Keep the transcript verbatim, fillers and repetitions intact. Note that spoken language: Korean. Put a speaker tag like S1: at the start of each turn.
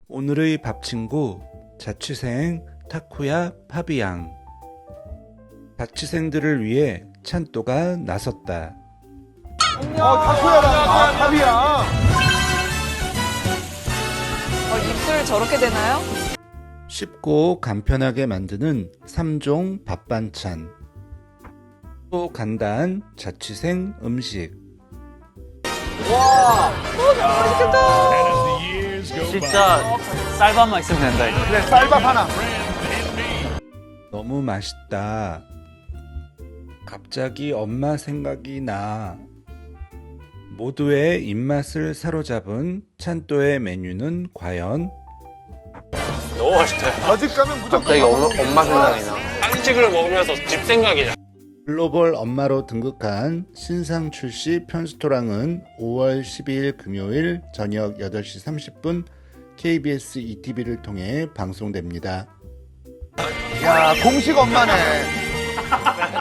S1: 오늘의 밥 친구 자취생 타쿠야 파비앙. 자취생들을 위해 찬또가 나섰다.
S2: 어, 타코야랑 아, 탑이야.
S3: 어, 입술 저렇게 되나요?
S1: 쉽고 간편하게 만드는 삼 종 밥 반찬. 또 간단한 자취생 음식.
S4: 진짜 쌀밥만 있으면 된다 이거.
S2: 그래, 쌀밥 하나.
S1: 너무 맛있다. 갑자기 엄마 생각이 나. 모두의 입맛을 사로잡은 찬또의 메뉴는 과연?
S4: 너무 맛있다.
S2: 저 집 가면 무조건.
S5: 갑자기 엄마, 엄마 생각이 나.
S4: 한식을 먹으면서 집 생각이 나.
S1: 글로벌 엄마로 등극한 신상 출시 편스토랑은 오월 십이일 금요일 저녁 여덟 시 삼십 분 케이비에스 이티비를 통해 방송됩니다.
S2: 야, 공식 엄마네.